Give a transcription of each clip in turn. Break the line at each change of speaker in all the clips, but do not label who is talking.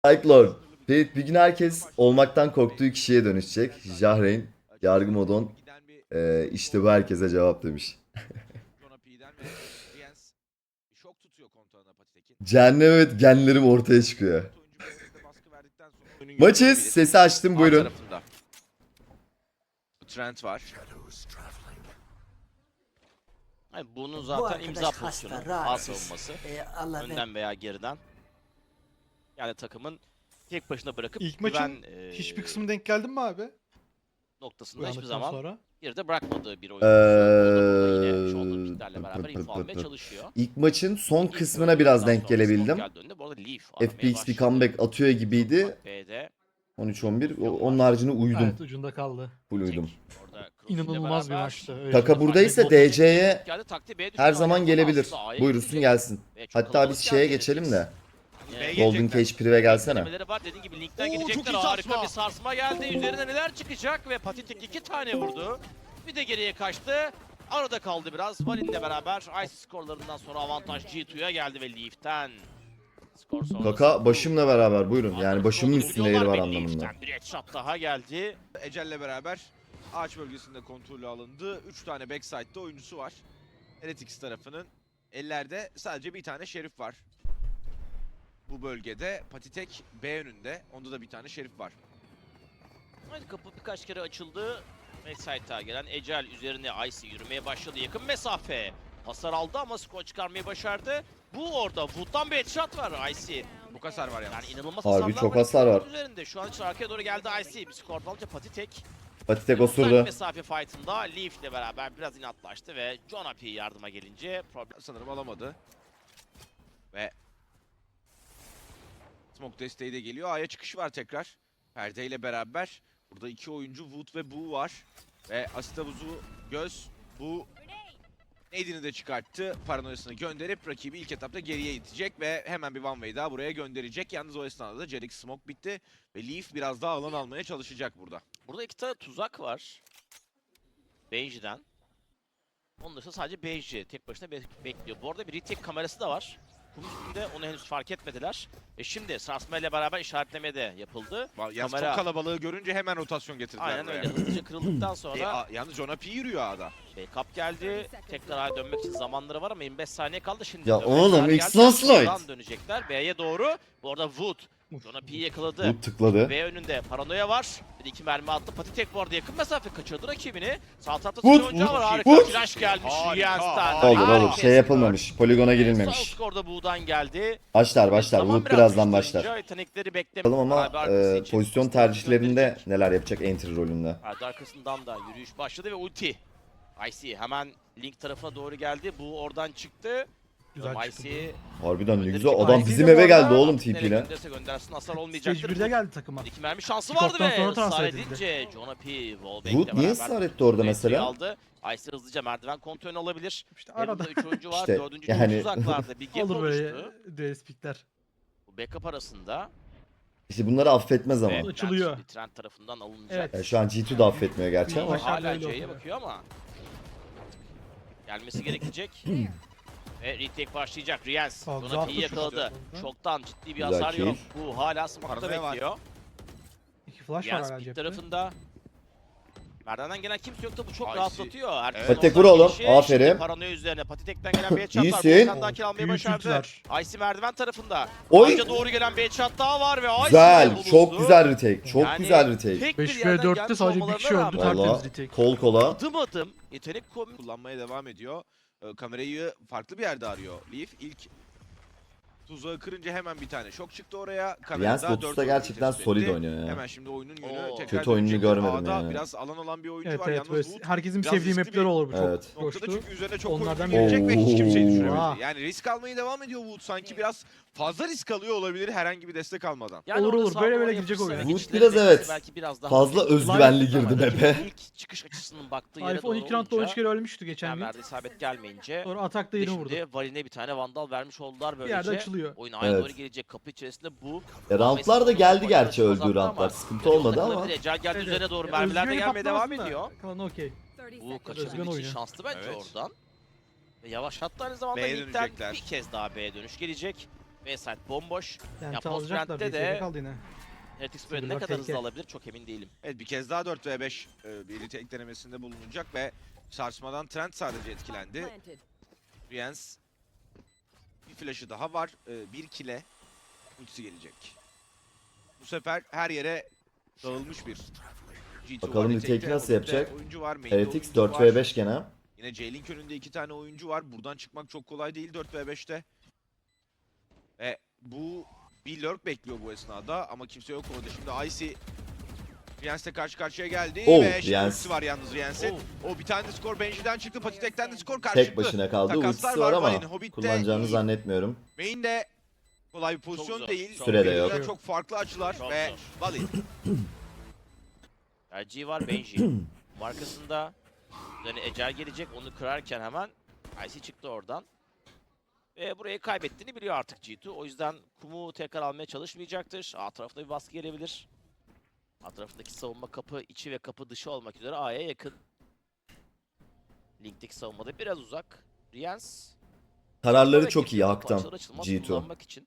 Cyclone. Bir gün herkes olmaktan korktuğu kişiye dönüşecek. Jahreyn, Yargı Modon. İşte bu herkese cevap demiş. Cehennem evet genlerim ortaya çıkıyor. Maçız. Sesi açtım buyurun.
Trent var.
Hayır, bunun
Bu
zaten
arkadaş
imza
hasta,
pozisyonu. A
rahatsız.
savunması.
Allah
Önden veya geriden. Yani takımın tek başına bırakıp
İlk maçın
güven
hiçbir kısmı denk geldin mi abi?
noktasında hiçbir
Uyandıktan
zaman
sonra.
bir de bırakmadığı bir oyuncu. O da burada yine shoulder picklerle beraber info almaya çalışıyor.
İlk maçın son
İlk
kısmına biraz denk
bölümden sonra
gelebildim.
Smoke geldi önüne. Bu arada Leaf aramaya
FPX bir
başladı.
comeback atıyor gibiydi.
B'de
13-11. Onun haricinde uyudum.
Evet ucunda kaldı.
Full uyudum.
orada Cross ile
İnanılmaz bir
beraber
maçtı. Öyle
Kaka
söyleyeyim.
buradaysa
Bot-
DC'ye
geldi, taktiği B'ye düştü.
her zaman
Hala
gelebilir.
aslında A'ya
Buyursun
gidecek.
gelsin.
Ve çok
Hatta
kalabalık
biz şeye
geldi
geçelim
FPX.
de.
Yani
Golden Cage Prive gelsene.
denemeleri var. Dediğim gibi linkten
Oo, çok
girecekler.
iyi
Harika
sarsma.
bir sarsma geldi. Üzerine neler çıkacak ve Patitek 2 tane vurdu. Bir de geriye kaçtı. Arada kaldı biraz. Valin'le beraber Ice skorlarından sonra avantaj G2'ya geldi ve Leaf'ten. Skor sonrası.
Kaka başımla beraber buyurun. Yani başımın
Kontrolü
üstünde yeri var
vuruyorlar ve
anlamında.
Leaf'ten bir headshot daha geldi.
Ecel'le beraber ağaç bölgesinde kontrolü alındı. 3 tane backside'da oyuncusu var. Heretics tarafının ellerde sadece bir tane şerif var. Bu bölgede Patitek B önünde. Onda da bir tane şerif var.
Haydi kapı birkaç kere açıldı. Backside'a gelen Ecel üzerine Icy yürümeye başladı. Yakın mesafe. Hasar aldı ama skor çıkarmayı başardı. Bu orada Wood'dan bir headshot var Icy.
Bu hasar var yalnız.
Yani inanılmaz
Harbi
hasarlar
çok
var.
hasar var.
Üzerinde şu an için arkaya doğru geldi Icy. Bir skor alınca Patitek.
Patitek
Uzak
osurdu.
mesafe fight'ında Leaf ile beraber biraz inatlaştı ve John Api yardıma gelince problem.
Sanırım alamadı. Ve Smoke desteği de geliyor. A'ya çıkış var tekrar. Perde ile beraber. Burada iki oyuncu Wood ve Bu var. Ve asit havuzu Göz. Bu Nade'ini de çıkarttı. Paranoyasını gönderip rakibi ilk etapta geriye itecek ve hemen bir one way daha buraya gönderecek. Yalnız o esnada da Jerix Smoke bitti. Ve Leaf biraz daha alan almaya çalışacak burada.
Burada iki tane tuzak var. Benji'den. Onun dışında sadece Benji tek başına bekliyor. Bu arada bir retake kamerası da var. Kum üstünde onu henüz fark etmediler. Şimdi sarsma ile beraber işaretleme de yapıldı.
Yalnız
Kamera-
çok kalabalığı görünce hemen rotasyon getirdiler.
Aynen
buraya.
öyle. Hızlıca kırıldıktan sonra
Yalnız John P yürüyor A'da.
backup geldi. Tekrar A'ya dönmek için zamanları var ama 25 saniye kaldı. Şimdi
Ya
dönmek
oğlum,
kararı
X
geldi.
last night.
Buradan dönecekler B'ye doğru. Bu arada Wood John P'yi yakaladı.
Bu tıkladı.
B önünde paranoya var. Bir iki mermi attı. Patitek bu arada yakın mesafe kaçırdı rakibini. Sağ tarafta
Vur,
sıçra oyuncağı
vur,
var. Harika
vur.
flash gelmiş
Harika,
Riyans'tan.
harika.
Olur olur.
Harika
Şey yapılmamış.
skor.
Poligona
Sağ
girilmemiş.
skorda Buğ'dan geldi.
Başlar.
Zaman
Wood
biraz
birazdan
düştü
başlar.
oyuncu. Yetenekleri beklemiyor.
Bakalım ama
Abi arkası için
pozisyon
aslında
tercihlerinde
gönderecek.
neler yapacak entry rolünde.
Ardı arkasından da yürüyüş başladı ve ulti. Icy hemen Link tarafına doğru geldi. Bu oradan çıktı.
Güzel çıktı.
Icy
Harbiden ne
gönderecek.
güzel. Adam
Icy
bizim
de bu
eve geldi
arada
oğlum
nereye
TP'yle.
gönderse göndersin hasar
Stage
olmayacaktır.
1'de geldi takıma.
İki mermi şansı vardı
Kickop'tan
ve
sonra transfer
ısrar
edildi.
edince John P. Wallback'le
Wood niye
beraber
ısrar etti orada
entry'yi
mesela?
aldı. Icy hızlıca merdiven kontrolünü alabilir.
İşte arada
Arada 3 oyuncu var.
İşte,
4.
yani-
uzaklarda bir gap
olur böyle
oluştu.
DS pickler.
Bu backup arasında.
İşte bunları affetmez ama.
Ve
Açılıyor.
Trent Trent tarafından alınacak.
Evet.
Yani şu an G2 da affetmiyor gerçi ama.
Başarılı
Hala
öyle
C'ye
oldu.
bakıyor ama gelmesi gerekecek. Ve retake başlayacak. Riens
Aa, güzel
Jonathan'ı
atmış
yakaladı.
işte.
Çoktan ciddi bir
Güzel
hasar
kill.
yok. Bu hala smoke'ta
Paranoya var.
bekliyor.
İki flash var
Riens
hala
pit
cepte.
tarafında. Merdivenden gelen kimse yok da bu çok
Icy.
rahatlatıyor. Herkesin
Patitek
oradan
vur oğlum,
gelişi.
aferin.
Şimdi paranoya üzerine Patitek'ten gelen bir headshot var.
İyisin.
Volkan'dan kill almayı
Büyük
başardı.
ultiler.
Icy merdiven tarafında.
Oy.
Anca doğru gelen bir headshot daha var ve Icy
Güzel.
bulundu.
Çok güzel retake. Çok
Yani
güzel retake.
tek bir
5
yerden
ve 4'te
gelmiş
sadece bir
olmalarına
kişi öldü,
rağmen
tertemiz
Valla
retake.
kol kola.
adım adım yetenek
Kullanmaya devam ediyor. Kamerayı farklı bir yerde arıyor Leaf. İlk tuzağı kırınca hemen bir tane şok çıktı oraya.
Riens
Kamerada
Lotus'ta
dört oyuncu
gerçekten
tespit
solid
etti.
oynuyor ya.
Hemen şimdi oyunun yönü
Oo.
tekrar
Kötü oyununu
dönecekler.
görmedim
A'da
yani.
biraz alan olan bir oyuncu
Evet
var.
evet
Yalnız
böyle
Wood
herkesin
biraz
sevdiği
riskli
mapler
bir
olur bu çok.
Evet.
noktada
Coştu.
çünkü üzerine çok
Onlardan
oyuncu gelecek ve hiç kimseyi
Oo.
düşüremedi. Yani risk almaya devam ediyor Wood. Sanki biraz fazla risk alıyor olabilir herhangi bir destek almadan.
Olur,
orada
olur.
sağ
Böyle
duvara
böyle girecek
yapışsa
oyun.
ve
Wood
geçişleri
biraz
beklese
evet,
belki biraz daha
fazla
hafif
özgüvenli
ama
girdi
rakibin
map'e.
İlk çıkış açısının baktığı yere
Arif
doğru
12 roundda 13 kere ölmüştü geçen gün.
verdiği isabet gelmeyince
Sonra atakta yine vurdu.
şimdi Valin'e bir tane vandal vermiş oldular
Bir yerde
böylece.
açılıyor.
Oyun aynı
Evet.
doğru gelecek kapı içerisinde bu.
Roundlar da geldi gerçi öldüğü roundlar. Sıkıntı olmadı ama.
Ecel geldi
Evet,
üzerine doğru
ya
mermiler de
özgüveni
gelmeye devam
patlamasın da
ediyor.
Kalan okey.
Bu
Özgün
kaçabilmek için
oyunu.
şanslı bence
Evet.
oradan. Ve yavaşlattı aynı zamanda
B'ye
Link'ten
dönecekler.
bir kez daha B'ye dönüş gelecek. B-side bomboş.
Yani
Post
alacaklar.
Brand'de
De
de
kaldı yine.
Heretics böyle ne
Silver
kadar
tehlike.
hızlı alabilir çok emin değilim.
Evet, bir kez daha 4v5 bir retake denemesinde bulunacak ve sarsmadan Trent sadece etkilendi. Riens bir flash'ı daha var. Bir kill'e ultisi gelecek. Bu sefer her yere dağılmış bir G2
Bakalım
var.
retake'i
Retake'te
nasıl yapacak?
Oyuncu var, main'de
Heretics
oyuncu var.
4v5 gene.
Yine J-Link önünde 2 tane oyuncu var. Buradan çıkmak çok kolay değil 4v5'te. Ve bu bir lurk bekliyor bu esnada ama kimse yok orada. Şimdi Icy Riens'le karşı karşıya geldi
Oh,
ve şimdi
Riens.
ultisi var yalnız Riens'in. O bir tane de skor Benji'den çıktı. Patitek'ten de skor
Tek
karşılıklı.
başına kaldı.
Takaslar
Ultisi var ama
Vayne, Hobbit'te
kullanacağını
iyi.
zannetmiyorum.
Main'de kolay bir pozisyon
zor,
değil.
çok
Süre de
Birbirinden
yok.
Çok farklı açılar
Çok
ve
zor.
Valid.
Tercihi var Benji. Markasında üzerine Ecel gelecek onu kırarken hemen Icy çıktı oradan. Ve burayı kaybettiğini biliyor artık G2. O yüzden kumu tekrar almaya çalışmayacaktır. A tarafta bir baskı gelebilir. A tarafındaki savunma kapı içi ve kapı dışı olmak üzere A'ya yakın. Link'teki savunmada biraz uzak. Riens
Kararları
ve
çok iyi
Killjoy
Hak'tan
açılır açılmaz
G2.
kullanmak için.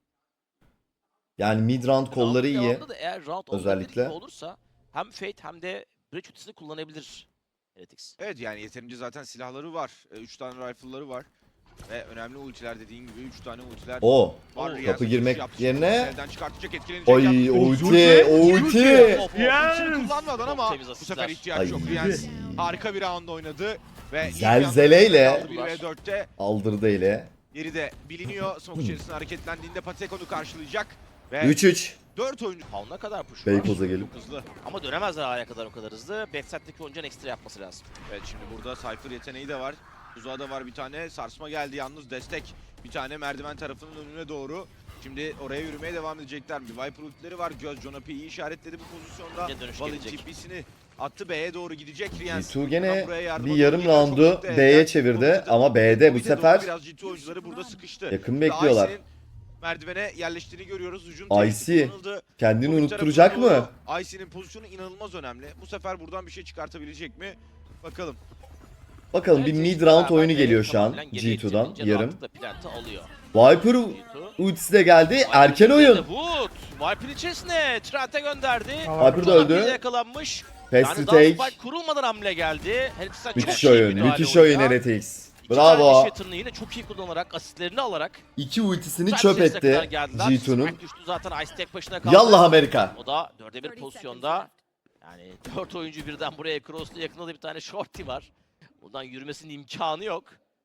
Yani mid round kolları
Round'un
iyi.
devamında da eğer round
Özellikle.
özellikle olursa hem Fate hem de Breach ultisini kullanabilir Heretics.
Evet, yani yeterince zaten silahları var. 3 tane rifle'ları var. Ve önemli ultiler, dediğin gibi 3 tane ultiler
O
var.
kapı
Riens'in
girmek
yaptı.
yerine-
Elden çıkartacak, etkilenecek.
Oy
yalnız.
ulti ulti.
Of, of,
Yes!
Ultisini kullanmadan ama
Çok temiz
bu
asistler.
sefer ihtiyaç
Ay.
yok. Riens harika bir round oynadı. Ve
Zelzeleyle-
1v4'te
Aldırdı ile.
yeri de biliniyor. Smoke içerisinde hareketlendiğinde Patek onu karşılayacak. Ve
3-3.
4 oyuncu
Pound'a kadar push
Beykoz'a
var.
gelip.
çok hızlı.
Ama dönemezler A'ya kadar o kadar hızlı. Backside'deki oyuncunun ekstra yapması lazım.
Evet, şimdi burada Cypher yeteneği de var. Tuzağa da var bir tane. Sarsma geldi yalnız, destek. Bir tane merdiven tarafının önüne doğru. Şimdi oraya yürümeye devam edecekler mi? Viper ultileri var. Göz Jonapi iyi işaretledi bu pozisyonda.
Yine dönüş
Valid
gelecek.
TP'sini attı, B'ye doğru gidecek Riens.
G2 gene
Buraya yardıma
bir yarım
doğru geliyor. Çok
roundu
mutlu
B'ye
elden.
çevirdi
Hobbit'e-
ama B'de bu
Hobbit'e doğru
sefer
biraz G2 oyuncuları burada sıkıştı.
yakın
Ve
bekliyorlar.
Icy'nin merdivene yerleştiğini görüyoruz. Hücum
Icy
tehdidi kullanıldı.
kendini
Hobbit
unutturacak
tarafına
mı?
doğru Icy'nin pozisyonu inanılmaz önemli. Bu sefer buradan bir şey çıkartabilecek mi? Bakalım.
Bakalım bir
Evet,
mid
G2
round oyunu
beraber
geliyor şu an
tamamen geriye
G2'dan
itilince
yarım.
rahatlıkla plant'ı alıyor.
Viper
G2.
ultisi de geldi. Erken oyun.
Wood. Viper içerisine Trent'e gönderdi.
Viper de
Jonapi
öldü.
de yakalanmış.
Fast
Yani
to
daha
take.
spike kurulmadan hamle geldi. Heretics'ten çok
Müthiş
iyi
oyun.
müdahale
Müthiş
oyuna.
oyun Heretics.
İki tane
Bravo.
Shatter'ını yine çok iyi kullanarak, asistlerini alarak.
İki ultisini
Saat
çöp
içerisine kadar
etti
geldiler.
G2'nun.
Spike düştü zaten, Ice tek başına kaldı.
Yallah Amerika.
O da 4'e 1 pozisyonda. Yani 4 oyuncu birden buraya cross'lu, yakında da bir tane shorty var. Buradan yürümesinin imkanı yok.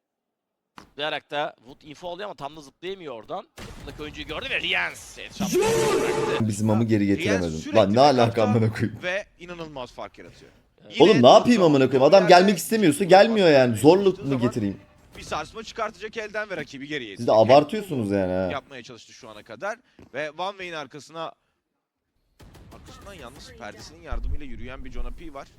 Zıplayarak da Wood info alıyor ama tam da zıplayamıyor oradan. Buradaki oyuncuyu gördü ve Riens headshot bıraktı.
Bizim amı geri
Riens
getiremedim.
sürekli
Lan ne alaka
backup'ta
amına koyayım.
Ve inanılmaz fark yaratıyor.
Oğlum
Yine
ne yapayım
burada
amına koyayım? Adam
yerde
gelmek istemiyorsa gelmiyor yani. Zorluk mu getireyim?
Bir sarsma çıkartacak elden ve rakibi geriye
Siz de
itecek.
abartıyorsunuz yani ha.
Yapmaya çalıştı şu ana kadar. Ve Van Way'in arkasından yalnız perdesinin yardımıyla yürüyen bir Jonapi var.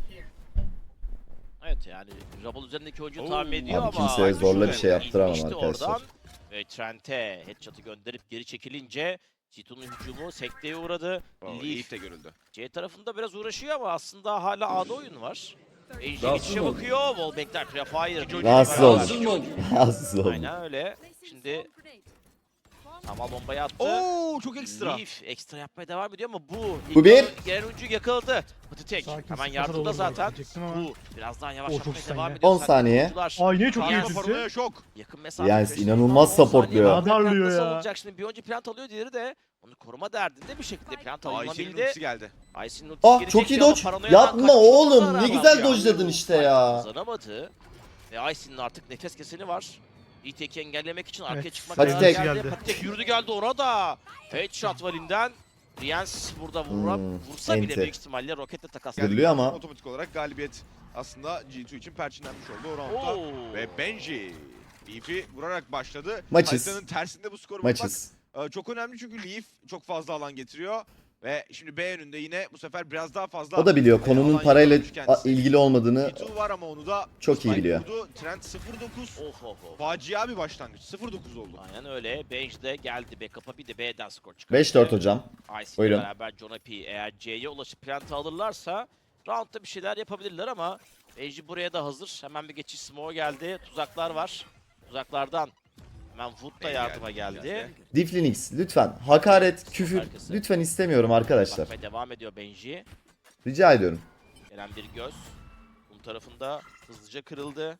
Evet yani Rabal üzerindeki oyuncuyu
Oo.
tahmin ediyor
Abi
ama...
kimseye zorla bir şey
İnmişti
yaptıramam
oradan.
arkadaşlar.
Ve Trent'e headshot'ı gönderip geri çekilince G2'nun hücumu sekteye uğradı. Leaf
Leaf de görüldü.
C tarafında biraz uğraşıyor ama aslında hala A'da oyun var. Ejder
Rahatsız
geçişe
mı
bakıyor. Wallbank'ler Prefire.
Rahatsız
Beraber.
oldu. Rahatsız oldum.
Aynen öyle. Şimdi Tamal bombayı attı.
Oo, çok ekstra.
Leaf ekstra yapmaya devam ediyor ama bu
Bu bir.
gelen oyuncuyu yakaladı. Patitek
Sakin,
hemen
sıfır
yardımda
olur
zaten.
diyecektim ama.
Bu biraz daha
O
yavaşlatmaya
çok
devam
saniye.
ediyor.
10 saniye.
Oyuncular
Ay ne çok iyi
Paranoya
Paranoya
ultisi.
paranoya şok.
yakın mesafe.
Yalnız
beş
inanılmaz
dakika, 10 saniye
supportluyor.
daha plant
Radarlıyor
nasıl
ya.
olacak? Şimdi bir oyuncu plant alıyor, diğeri de onu koruma derdinde bir şekilde plant
Icy'nin
alınabildi.
ultisi geldi.
Icy'nin ultisi
Ah
gelecekti
çok iyi
ama
dodge.
paranoyadan
Yapma
kaçmış
oğlum.
olmasına
Ne
rağmen
güzel
ya.
dodge'ladın işte ya.
Kazanamadı. Ve Icy'nin artık nefes keseni var. ETK'i engellemek için arkaya
Evet.
çıkmak
Patitek.
kararı
Geldi.
Patitek yürüdü geldi orada. Headshot Valin'den. Riens burada vursa bile
enti.
büyük ihtimalle roketle takas.
Görülüyor ama.
Otomatik olarak galibiyet aslında G2 için perçinlenmiş oldu o roundda.
Oo.
Ve Benji Leaf'i vurarak başladı.
Maçız.
Haritanın tersinde bu skoru
Maçız.
bulmak çok önemli çünkü Leaf çok fazla alan getiriyor. Ve şimdi B önünde yine bu sefer biraz daha fazla.
O da biliyor konunun
alan
parayla
yakalamış kendisi.
ilgili olmadığını.
G2 var ama onu da
Çok iyi
Spike
biliyor.
vurdu. Trent 0-9.
Of of of.
Facia bir başlangıç. 0-9 oldu.
Aynen öyle. Bench de geldi backup'a, bir de B'den skor çıkardı.
5-4 hocam.
Ice ile
Buyurun.
beraber Jonapi eğer C'ye ulaşıp plant'ı alırlarsa roundda bir şeyler yapabilirler ama Benji buraya da hazır. Hemen bir geçiş smoke geldi. Tuzaklar var. Tuzaklardan Hemen Wood da
Bey
yardıma geldi.
Diflinix lütfen hakaret, küfür
Arkası.
lütfen istemiyorum arkadaşlar.
Bakmaya devam ediyor Benji.
Rica ediyorum.
Gelen bir göz. Bunun tarafında hızlıca kırıldı.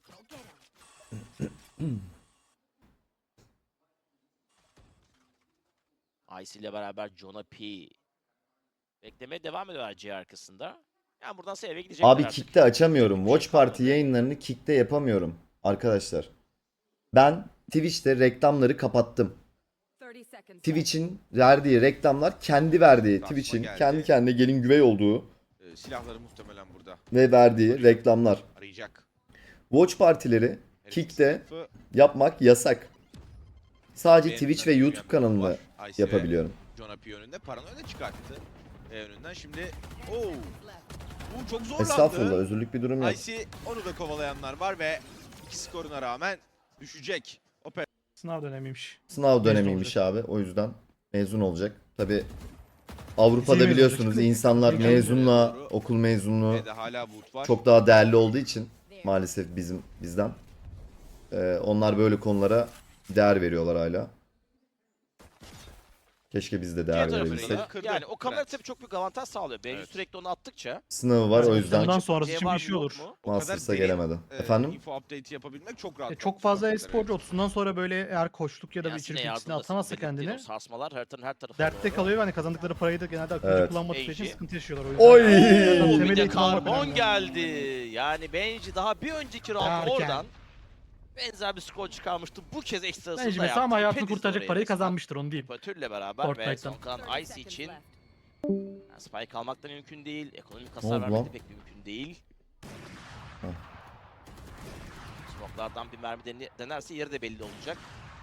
Ice ile beraber Jonah P. Beklemeye devam ediyorlar C arkasında. Yani buradan eve gidecekler
Abi
artık.
Kick'te açamıyorum.
Bir şey
Watch Party
kalmadı.
yayınlarını Kick'te yapamıyorum arkadaşlar. Ben Twitch'te reklamları kapattım. Twitch'in verdiği reklamlar kendi verdiği,
Transfer
Twitch'in
geldi.
kendi kendine gelin güvey olduğu
Silahları muhtemelen burada
ve verdiği reklamlar.
arayacak.
Watch partileri
Her iki
Kick'te
sınıfı
yapmak yasak. Sadece
beğenilen
Twitch ve
bir
YouTube
var.
kanalında
Ice ve
yapabiliyorum.
Jonah P önünde. Paranoya da çıkarttı. Önünden şimdi. Bu çok zorlandı.
Estağfurullah, özürlük bir durum yok.
Icy onu da kovalayanlar var ve iki skoruna rağmen düşecek.
Sınav dönemiymiş.
Sınav
Mezun
dönemiymiş abi. O yüzden mezun olacak. Tabi Avrupa'da
mezun
biliyorsunuz
olacak.
insanlar
Doğru.
mezunla okul mezunluğu
Ve de hala Wood var.
çok daha değerli olduğu için maalesef bizden. Onlar böyle konulara değer veriyorlar hala. Keşke biz de
Diğer
değer
tarafında
verebilsek.
da
Kırdı.
yani o kamera
Evet.
tabii çok büyük avantaj sağlıyor. Benji
Evet.
sürekli onu attıkça.
Sınavı var o yüzden
Bundan sonrası
C
için
var
bir
mı,
şey
yok
olur.
mu?
O kadar
Masters'a
derin,
gelemedi. Efendim?
Info update'i yapabilmek çok rahat.
Çok fazla
Evet.
e-sporcu 30'undan sonra böyle eğer koçluk ya da bir
Yasin'e
içerik ikisini
yardımda
atamazsa
sinirlenip
kendini
o sarsmalar haritanın her tarafına
dertte
doğru.
kalıyor ve hani kazandıkları parayı da genelde akılcı
Evet.
kullanmadığı için
Benji.
sıkıntı yaşıyorlar o yüzden.
Oy!
Oo,
Temel
bir de
eğitim almak
karbon
önemli.
geldi. Yani Benji daha bir önceki round
Erken.
oradan benzer bir skor çıkarmıştı. Bu kez ekstrasını
Bence
da
mesela
yaptı.
ama hayatını
Pedis
kurtaracak
oraya
parayı
resmen.
kazanmıştır onu diyeyim.
Operatörle beraber ve
Fortnite'tan.
son kalan Ice için yani spike almak da mümkün değil. Ekonomik
oldu
hasar vermek
lan?
de pek mümkün değil.
Heh.
Smoke'lardan bir mermi denerse yeri de belli olacak.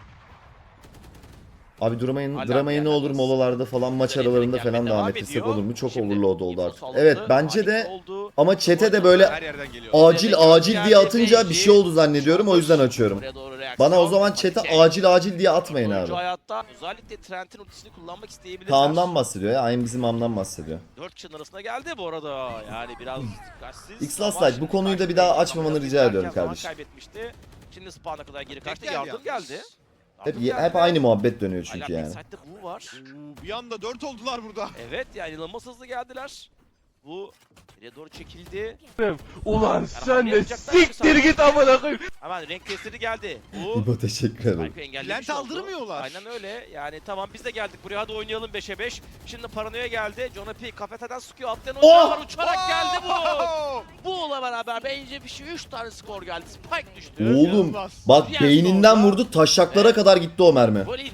Abi durmayın,
Hala
dramayı ne
bir
olur
yerden
molalarda falan, maç
Üzerine
aralarında
gelmeye
falan
devam
devam ettirsek
ediyor.
olur mu? Çok
Şimdi
overload oldu
info
artık.
salındı,
Evet bence
panik
de
oldu.
ama chat'e de
Her
böyle
yerden geliyor.
acil diye atınca bir şey oldu zannediyorum, o yüzden açıyorum.
Oraya doğru reaksiyon,
Bana o zaman
panik.
chat'e acil diye atmayın
Oyuncu
abi.
hayatta özellikle Trent'in ultisini kullanmak isteyebilirler.
Kaan'dan bahsediyor ya, aynı bizim amdan bahsediyor.
4 kişinin arasında geldi bu arada. Yani biraz dikkatsiz.
X-Last
ama
Light, bu
şimdi
konuyu da
karşı
bir daha
takım
açmamanı
biraz
rica
erken
ediyorum
zaman
kardeşim.
kaybetmişti. Şimdi spawn'a kadar geri kaçtı.
geldi
Yardım
yalnız.
geldi.
Hep,
Yardım geldi
hep
ve
aynı muhabbet dönüyor
hala
çünkü yani.
backside'de bu var.
Bir anda 4 oldular burada.
Evet yani inanılmaz hızlı geldiler. Bu geriye doğru çekildi.
Ulan sen
hamle
de
yapacaklar
siktir
mı
git amına koyayım.
Hemen renk testleri geldi. Bu
İbo teşekkür ederim.
Spike'ı engellemiş
Lent
oldu.
aldırmıyorlar.
Aynen öyle. Yani tamam biz de geldik buraya, hadi oynayalım 5'e 5. Şimdi Paranoya geldi. Jonah P kafeteden sıkıyor. Atlayan oyuncular var. Uçarak geldi bu. Bu'la beraber bence bir şey 3 tane skor geldi. Spike düştü.
Oğlum bak beyninden vurdu, taşaklara kadar gitti o mermi.
Volin.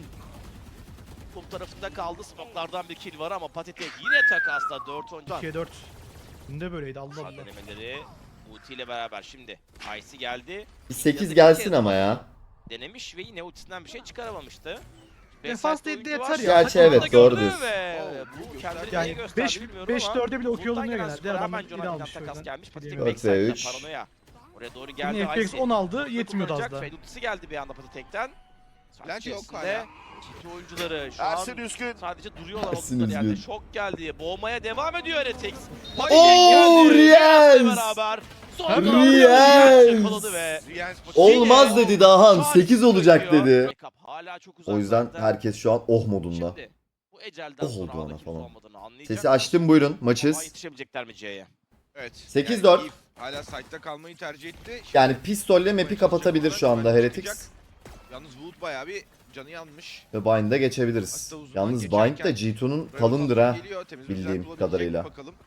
Kum tarafında kaldı. Smoke'lardan bir kill var ama Patitek yine takasla 4 oyuncu.
2'ye 4. Dün de böyleydi Allah
Sağ
Allah.
denemeleri Uti ile beraber şimdi. Icy geldi.
Bir 8
Yazık
gelsin
ki
ama ya.
denemiş ve yine ultisinden bir şey çıkaramamıştı.
Defans
Backside
dedi
oyuncu
yeter
var.
ya.
Gerçi evet,
Takımı da
doğru
gördü
diyorsun.
ve
Oo,
bu kendini
Yani
neye gösterdi
5
bilmiyorum
5
ama
4'e bile okuyor
Bulut'tan
olunuyor
gelen
genelde.
skora
Adam
hemen
iyi
Jonathan
almış o
takas
yüzden.
gelmiş. Patik
Diyemiyorum.
backside'den
4 ve 3.
Paranoya. Oraya doğru geldi.
Yine FX
Icy.
10 aldı,
Ultiyi
yetmiyordu az
kullanacak.
da.
Fade ultisi geldi bir anda Patitek'ten.
Lent yok
İçerisinde
hala.
GT oyuncuları şu an
Ersin Üskün.
sadece duruyorlar
Ersin
oldukları yerde.
Üzgün.
Şok geldi. Boğmaya devam ediyor Heretics.
Oo, Riyaz!
Beraber. Son
Hem
round'u
Riyaz!
yakaladı ve
Olmaz dedi Dahan,
Tarih
8 olacak
çekiyor.
dedi.
Backup hala çok
O yüzden
uzaklarda.
herkes şu an oh modunda.
Şimdi bu ecelden
Oh
sonra
oldu
A'da
ona
kimse
falan.
olmadığını anlayacak.
Sesi açtım, buyurun
Ama
maçız.
yetişebilecekler mi C'ye?
Evet.
8-4.
Yani Eve hala site'da kalmayı tercih etti. Şimdi
Yani pistolle map'i kapatabilir şu anda Heretics.
Yalnız Wood bayağı bir canı yanmış.
Ve Bind'e geçebiliriz.
Hatta uzman
Yalnız
geçerken
Bind de G2'nun
Böyle
kalındır
bir
ha.
geliyor, temiz
bildiğim
özel bulabilecek
kadarıyla.
mi bakalım.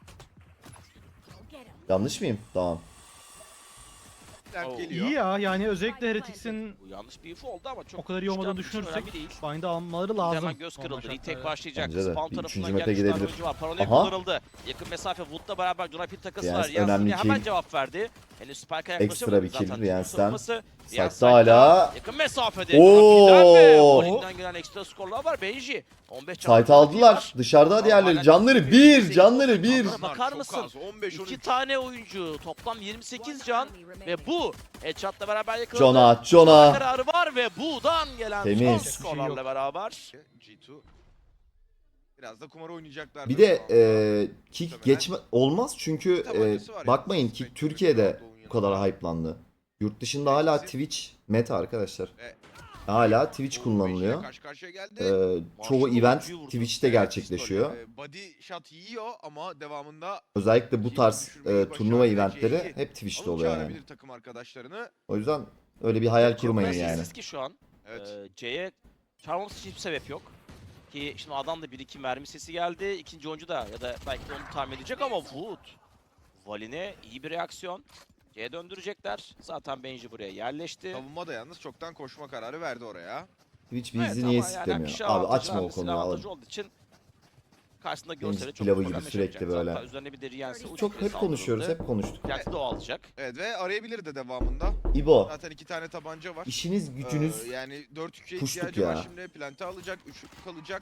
Yanlış mıyım? Tamam.
Lent
Oo.
geliyor.
İyi ya yani özellikle Heretics'in
Bu yanlış bir info oldu ama çok
o kadar iyi olmadığını
çıkartmak için
düşünürsek
önemli değil.
Bind'i almaları
Şimdi
lazım.
hemen göz
normal
kırıldı. Retake
şartlarda.
başlayacak.
Bence de.
Spawn
Bir
tarafından
üçüncü map'e
gelmiş tane
gidebilir.
oyuncu var. Paranoya
Aha.
kullanıldı. Yakın mesafe Wood'la beraber Jonah Pit takası
Riyans
var. Riyans
önemli
yine hemen
kill.
cevap verdi. Henüz Spike'a
Ekstra
yaklaşamadı
bir kill
zaten.
Riyans'tan.
Savunması. Riyans
Site'da hala.
yakın mesafede.
Oo.
Jonah gelen ekstra skorlar var. Benji. 15
Site aldılar. Dışarıda diğerleri. Canları 1. Canları 1.
Bunlara bakar
Çok
mısın?
az, 15-13.
2 tane oyuncu. Toplam 28 can. Ve bu headshot'la beraber yakaladı.
Jonah.
Kararı var ve Bu'dan gelen son
Temiz.
skorlarla beraber.
G2 biraz da kumar oynayacaklar.
Bir de kick geçme olmaz çünkü
Tabancası var ya.
bakmayın kick Türkiye'de bu kadar hype'landı. Yurt dışında hala Twitch meta arkadaşlar. Hala Twitch kullanılıyor.
Karşı karşıya geldi.
Çoğu
Marshall
event
oyuncuyu vurdu.
Twitch'te gerçekleşiyor.
Body shot yiyor ama devamında
Özellikle bu tarz
düşürmeyi
turnuva
başardı.
eventleri
C'yi
hep Twitch'te
alıp
oluyor yani.
çağırabilir takım arkadaşlarını.
O yüzden öyle bir hayal kurmayın
Çok
yani.
sessiz ki şu an.
Evet.
C'ye çağırmaması için hiçbir sebep yok. Ki şimdi adam da 1-2 mermi sesi geldi. İkinci oyuncu da ya da belki de onu tahmin edecek ama Wood. Valin'e iyi bir reaksiyon. C'ye döndürecekler. Zaten Benji buraya yerleşti.
Savunma da yalnız çoktan koşma kararı verdi oraya.
Twitch
Evet,
bizi
ama
niye
yani
siklemiyor?
kişi
Abi
avantajı,
açma o
hamlesi
konuyu
avantajı
abi.
olduğu için karşısında
Benji
görseli çok
pilavı
problem
gibi sürekli
yaşamayacak.
böyle.
Hatta üzerine bir de Riyans'ı
Çok hep konuşuyoruz, hep konuştuk.
Gerçi de o alacak.
Evet ve arayabilir de devamında.
İbo,
Zaten 2 tane tabanca var.
işiniz gücünüz
Yani 4-3'e
puştuk
ihtiyacı
ya.
var şimdi. Plante alacak, 3'lük kalacak.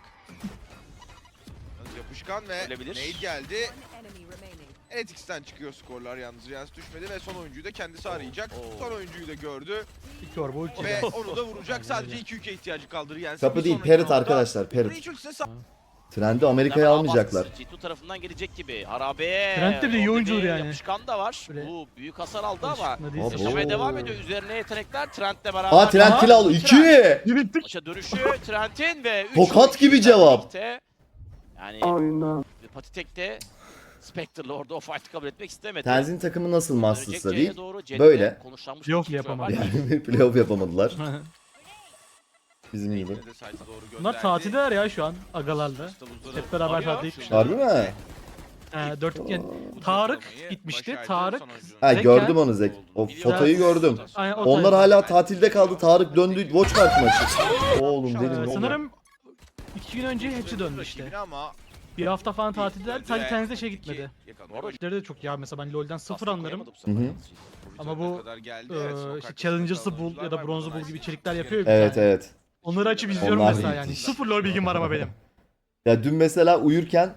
Yalnız yapışkan ve
Ölebilir.
Nade geldi. Heretics'ten çıkıyor skorlar yalnız. Riyans düşmedi ve son oyuncuyu da kendisi arayacak.
Oo.
Son oyuncuyu da gördü
Victor bu ulti.
ve onu da vuracak. Sadece 2-3'e ihtiyacı kaldı Riyans'ın.
kapı
Bir
değil,
sonraki
Parrot
roundda
arkadaşlar, Parrot.
Breach ultisine sağ-
Trendi Amerika'ya
Hemen
almayacaklar.
baskısı G2 tarafından gelecek gibi. Harabe.
Trent de bir iyi
orada
oyuncudur
bir
yani.
Yapışkan da var.
Böyle
Bu büyük hasar aldı ama
Alışkın da değilse.
Abo.
yaşamaya devam ediyor. Üzerine yetenekler Trent'le beraber.
Aa Trent kill aldı. 2!
Yürüttük.
Maça dönüşü Trent'in ve 3
Tokat gibi cevap.
Yani Patitek'te Spectre'la orada o fight'ı kabul etmek istemedi.
Tenzin takımı nasıl
Dönecek
Masters'la
C'ye
değil?
doğru. C'de
Böyle.
konuşlanmış
Playoff
bir şey
yapamadı.
var.
Yani bir playoff yapamadılar. Bizim gibi.
Yine de site'a doğru
Bunlar
gönderdi.
tatildeler ya şu an agalarla.
Stavuzları
Hep beraber
Arıyor.
tatile gitmişler.
Harbi mi?
4 iken
bu
Tarık
toplamayı
gitmişti.
başardı.
Tarık
Son oyuncunun
Ha
Zeka-
gördüm onu Zek. O fotoyu gördüm.
Aynen, o
Onlar
tayfa.
hala tatilde kaldı. Tarık döndü. Watchmark maçı. Oğlum dedim ne oldu?
Sanırım 2 gün önce hepsi döndü işte.
Rakibine ama
Bir hafta falan tatildeler. Sadece
ve
Tenz'de şey
iki
gitmedi.
yakalamaya
Doğru.
İşleri de çok ya mesela ben LoL'den sıfır
Aslında
anlarım.
koyamadı bu sefer
Hı hı.
yalnız.
Ama bu,
kadar geldi.
Ee,
Evet, son
işte
karşısında
Challengers'ı
kalan
bul
oyuncular
ya da
var.
Bronze'ı
Bunlar
bul gibi
nice.
içerikler yapıyor ya bir
Evet
tane.
evet.
Onları açıp izliyorum
Onlar
mesela
iyi.
yani. Sıfır LoL bilgim var ama benim.
Ya dün mesela uyurken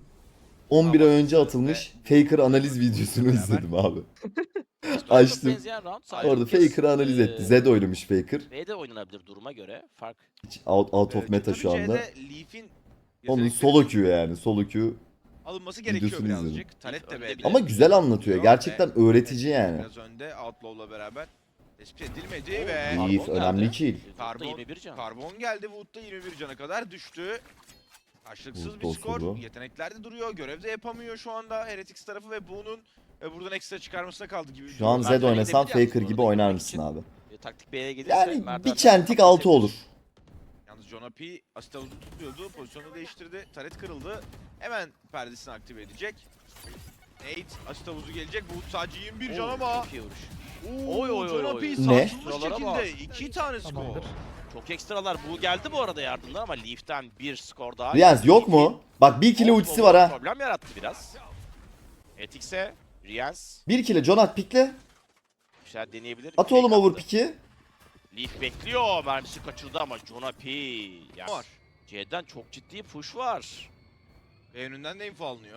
11 ay önce atılmış Faker analiz videosunu izledim abi.
Çok
Açtım.
benzeyen round. Sadece
Orada
bu kez,
Faker'ı analiz etti. Zed oynamış Faker.
B'de oynanabilir duruma göre. Fark.
Hiç out of meta
Tabii
şu anda.
C'de Leaf'in
Onun
yetenekleri
solo Q yani. Solo Q.
alınması gerekiyor
videosunu izledim.
birazcık. Taret de B'de.
Ama güzel anlatıyor. Gerçekten öğretici yani.
Biraz önde Outlaw'la beraber tespit edilmedi ve
Leaf
Karbon
önemli
geldi.
kill.
Wood'da 21 can.
Karbon geldi. Wood'da 21 cana kadar düştü. Karşılıksız
Wood
bir
da
skor.
osurdu.
Yetenekler de duruyor. Görev de yapamıyor şu anda Heretics tarafı ve bunun buradan ekstra çıkarmasına kaldı gibi.
Şu an
Ben
Zed
de
oynasan
gidebilir
Faker
yalnız
gibi
bu arada
oynar
gitmek
mısın
için.
abi?
Taktik B'ye gelirse
Yani
Mert'ten
bir çentik altı olur.
Yalnız John P. Astavuz'u tutuyordu. Pozisyonu değiştirdi. Taret kırıldı. Hemen perdesini aktive edecek. Nate Astavuz'u gelecek. Bu sadece 21 can ama.
Çok iyi vuruş.
Oo,
Oy, oy,
John
oy,
P.
oy.
Ne?
sarsılmış
Sıralara
şekilde
bak.
2 tane skor.
Tamamdır.
Çok ekstralar. Bu geldi bu arada yardımlar ama Leaf'ten bir skor daha.
Riyaz yok mu? Bak 1 kilo ultisi var ha.
Problem yarattı biraz. Etix'e Riyaz
1 kilo Jonat pikle.
bir şeyler deneyebilir.
At oğlum
Fake
over
attı.
piki.
Leaf bekliyor. Mermisi kaçırdı ama Jonah P. Yani
Var.
C'den çok ciddi push var.
Ve önünden de info alınıyor.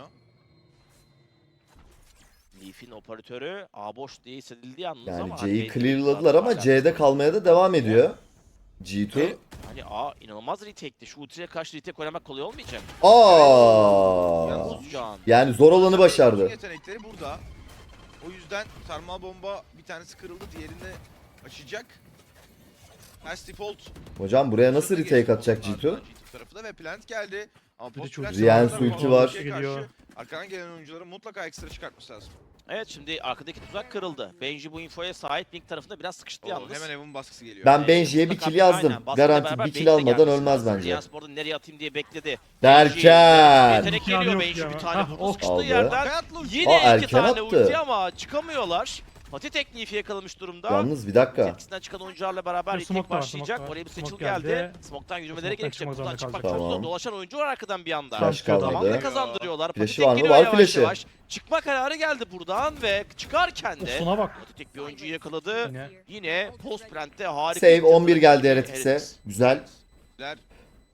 Leaf'in operatörü A boş diye hissedildiği yalnız
Yani
ama
C'yi
hani
clearladılar ama
hala-
C'de kalmaya da devam ediyor. G2.
Ve hani A inanılmaz retake'ti. Şu ultiye karşı retake oynamak kolay olmayacak.
Aa.
Yalnız
Can.
Yani zor olanı başardı.
Yetenekleri burada. O yüzden sarmal bomba bir tanesi kırıldı, diğerini açacak. Ters default.
Hocam buraya nasıl
Şurada
retake
geçti
atacak
ondan
G2?
G2 tarafı da ve plant geldi. Ama
Bir de
post
çok
plant
Riyan
zamanında
ulti
bu
var.
karşı
Geliyor.
Arkadan gelen oyuncuların mutlaka ekstra çıkartması lazım.
Evet şimdi arkadaki tuzak kırıldı. Benji bu infoya sahip. Link tarafında biraz sıkıştı yalnız.
Hemen Evan baskısı geliyor.
Ben Benji'ye bir
Mutlaka
kill yazdım.
aynen, baskıyla
Garanti
beraber
bir kill
Benji de
almadan
gelmesi
ölmez
lazım.
bence.
Riyans bu arada nereye atayım diye bekledi.
Derken.
Yetenek
İmkanı
geliyor
yok
Benji
ya.
bir tane
Hah,
bu
o
sıkıştığı
aldı.
yerden.
Hayatlı ulti.
Yine iki
erken
tane
attı.
ulti ama çıkamıyorlar. Pati tekniği yakalamış durumda.
Yalnız bir dakika.
Etkisinden çıkan oyuncularla beraber
Bir
retake
smoke da var,
başlayacak.
smoke var.
Oraya bir
Smoke
seçil geldi.
geldi.
Smoke'tan yürümeleri
Smoke'tan
gerekecek.
çıkmak
Buradan
zorunda
çıkmak
kalacak.
çok zor.
Tamam.
Dolaşan oyuncu var arkadan bir anda.
Flash kalmadı.
Zamanla kazandırıyorlar.
Flash'ı
Pati
var
tek
mı?
geliyor
Var
yavaş
flash'ı.
yavaş. Çıkma kararı geldi buradan ve çıkarken de
Osuna bak.
Pati tek bir oyuncuyu yakaladı.
Yine.
Yine post plant'te harika.
Save
bir
11 geldi
Heretics.
Heretics'e. Güzel.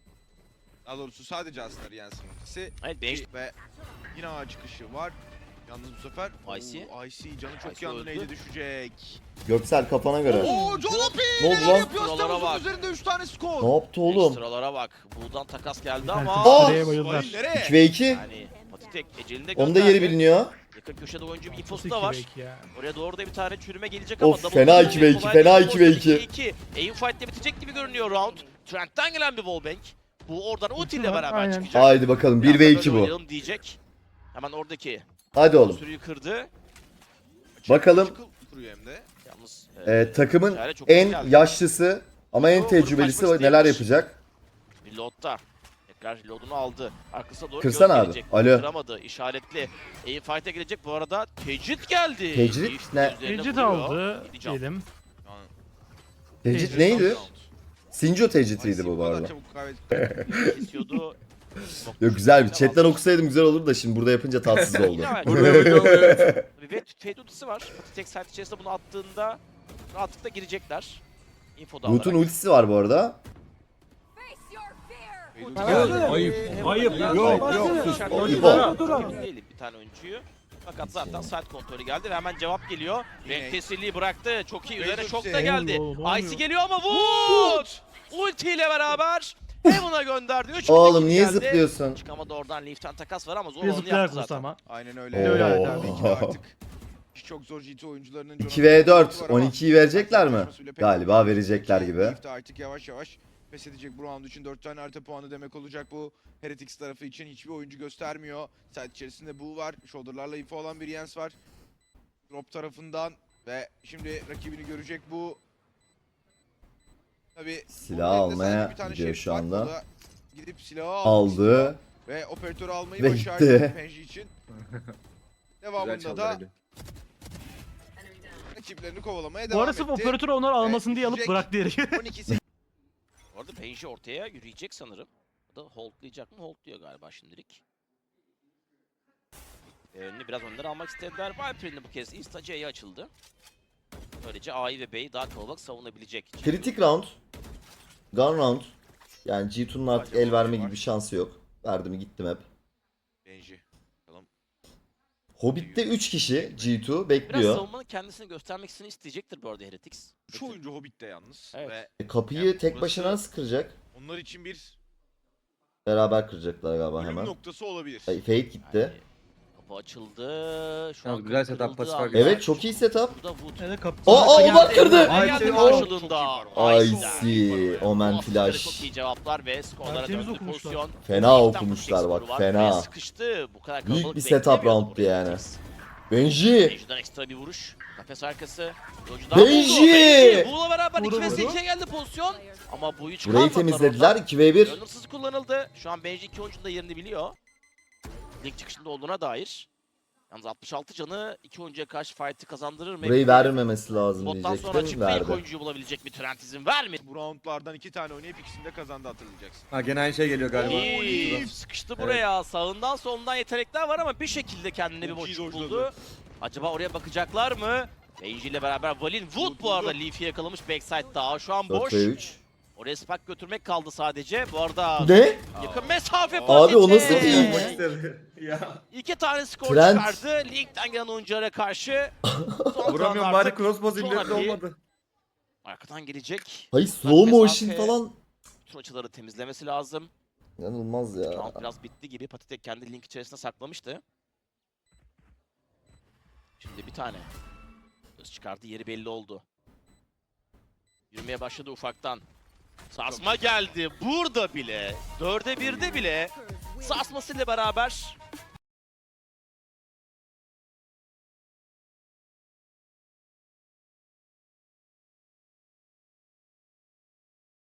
Daha doğrusu sadece aslında Riyans'ın ultisi.
Evet Benji
Ve yine A çıkışı var. Yalnız bu sefer
Icy.
Icy canı çok
Icy
yandı,
öldü.
neydi düşecek.
Göksel kafana göre.
Oo Jolopi
Ne oldu
neler
lan?
yapıyor?
Buralara
Astaros'un
bak.
üzerinde 3 tane skor.
Ne yaptı oğlum?
Ekstralara bak. Buradan takas geldi
Herkes
ama
nereye bayıldılar.
Vay, nereye?
2v2.
yani Patitek ecelinde
Onun da yeri biliniyor.
Yakın köşede oyuncu bir infosu
Nasıl
da var.
2v2 ya?
Oraya doğru da bir tane çürüme gelecek
Of,
ama double
fena
kill
2v2,
kolay
fena
değil.
2v2.
2-2. Aim fight'te bitecek gibi görünüyor round. Trent'ten gelen bir wallbang. Bu oradan ulti ile
var,
beraber
aynen.
çıkacak.
Haydi bakalım
Biraz da
1v2
böyle
bu.
oynayalım diyecek. Hemen oradaki
Hadi oğlum.
sürüyü kırdı.
Bakalım.
Çıkıl kuruyor hem de.
Yalnız
Takımın
Çare çok iyi
en
geldi.
yaşlısı ama en
Vurup
tecrübelisi
kaçmak
neler
istemiş.
yapacak?
reload'da. Tekrar reload'unu aldı. Arkasına doğru
Kırsana
göz
abi.
gelecek.
Alo.
Kıramadı. İşaretli. Aim fight'e girecek. Bu arada tecrit geldi.
Tecrit
Leaf
ne?
üzerine
Tecrit
vuruyor.
aldı
Gideceğim.
diyelim.
Yani,
Tecrit
Tecrit
neydi?
round.
Sinco tecritiydi
Icy
bu
kadar
arada.
çabuk kaybetti.
Kesiyordu.
Yok güzel bir chatten okusaydım güzel olurdu da şimdi burada yapınca tatsız oldu.
Yine var. Ve Fade ultisi var. Tek side içerisinde bunu attığında rahatlıkla girecekler. Infoda
Root'un
alarak.
ultisi var bu arada.
Ayıp. Ayıp.
Yok,
Yok.
İbo.
Değilim bir tane oyuncuyu. Fakat zaten side kontrolü geldi ve hemen cevap geliyor.
Yine.
Renk tesirliği bıraktı. Çok iyi. Üzerine
Razor
şok da
Sale.
geldi.
Olmuyor.
Icy geliyor ama Wood! Ulti ile beraber Heaven'a gönderdi. 3
Oğlum niye zıplıyorsun?
Çıkamadı oradan Leaf'ten takas var ama zor
Bir
olanı yaptı
zıplayarsın
zaten.
ama.
Aynen öyle.
Öyle
Oo.
yani.
Belki de artık iş çok zor GT oyuncularının
2v4 12'yi verecekler mi? Galiba verecekler gibi.
Leaf de artık yavaş yavaş pes edecek bu round için 4 tane harita puanı demek olacak bu. Heretics tarafı için hiçbir oyuncu göstermiyor. Side içerisinde bu var. Shoulder'larla info olan bir Jens var. Drop tarafından ve şimdi rakibini görecek bu. Tabii
Silah
bunun elinde
almaya
sadece bir tane
gidiyor
şerif
şu
var.
anda.
O da gidip silahı almak istiyor
Aldı.
ve operatörü almayı
Ve
başardı
gitti.
Penji için. Devamında da rakiplerini kovalamaya
Bu
devam
arada
etti.
sırf operatör onları almasın diye alıp
düşecek.
bıraktı yeri.
12
Bu arada Benji ortaya yürüyecek sanırım. O da holdlayacak mı? Holdluyor galiba şimdilik. Önünü biraz önden almak istediler. Viper'in de bu kez Insta C'ye açıldı. Böylece A'yı ve B'yi daha kalabalık savunabilecek.
Kritik round. Gun round. Yani G2'nun artık el verme gibi bir şansı yok. Verdim gittim hep.
Benji.
Hobbit'te 3 kişi G2
Biraz
bekliyor.
savunmanın kendisini göstermek isteyecektir bu arada Heretics.
Şu oyuncu Hobbit'te yalnız.
Evet.
Ve
Kapıyı
Yani
tek
burası-
başına nasıl kıracak?
onlar için bir
Beraber kıracaklar galiba
ölüm
hemen.
noktası olabilir.
Fate gitti.
Yani kapı açıldı. Şu
Yalnız
an
güzel
kapı
setup,
kırıldı
pasif
ama
fark
Evet çok iyi setup.
Burada Wood.
Evet kapı.
Aa, bak kırdı.
Geldi
Icy,
karşılığında.
Icy, Omen Flash.
Çok iyi cevaplar ve skorlara
Tertemiz
döndü
okumuşlar.
pozisyon.
Fena
Ligden
okumuşlar
bu
bak,
skoru var
fena.
ve sıkıştı. Bu kadar
Büyük
kalabalık
bir setup
beklemiyordu
round'du
burayı
yani.
Heretics.
Benji.
Benji'den ekstra bir vuruş. Kafes arkası. Yolcudan
Benji!
Bununla beraber
Vurdu,
2 ve
vurdu.
8'e geldi pozisyon. Ama bu 3
Burayı temizlediler 2v1.
Önümsüz kullanıldı. Şu an Benji 2 oyuncunun da yerini biliyor. Link çıkışında olduğuna dair. Yalnız 66 canı 2 oyuncuya karşı fight'ı kazandırır mı?
Burayı vermemesi lazım
Bottan sonra
diyecektim.
çıktı ilk
Verdi.
oyuncuyu bulabilecek mi? Trent izin vermedi.
Bu roundlardan 2 tane oynayıp ikisini de kazandı, hatırlayacaksın.
Ha gene aynı şey geliyor galiba.
İyi, sıkıştı buraya. Sağından solundan yetenekler var ama bir şekilde kendine bir
Çok iyi
boşluk
dojladı.
buldu. Acaba oraya bakacaklar mı? Benji ile beraber Valin Wood bu arada
Wood.
Leaf'i yakalamış backside'da. Şu an
4
boş.
ve 3.
Oraya spark götürmek kaldı sadece. Bu arada
Ne?
yakın mesafe
Abi
Patite.
o nasıl bir
Yapmak
ilk?
istedi. Ya.
2 tane skor
Trent.
çıkardı. Link'ten gelen oyunculara karşı. Son
Vuramıyorum
round
bari
artık
crossbow
Son
zilletli
harbi.
olmadı.
arkadan gelecek.
Hayır slow motion
mesafe-
falan.
Bütün açıları temizlemesi lazım.
İnanılmaz ya.
Round biraz bitti gibi. Patitek kendi link içerisine saklamıştı. Şimdi bir tane. Göz çıkardı, yeri belli oldu. Yürümeye başladı ufaktan. Sarsma geldi. Burada bile. 4'e 1'de bile. Sarsmasıyla beraber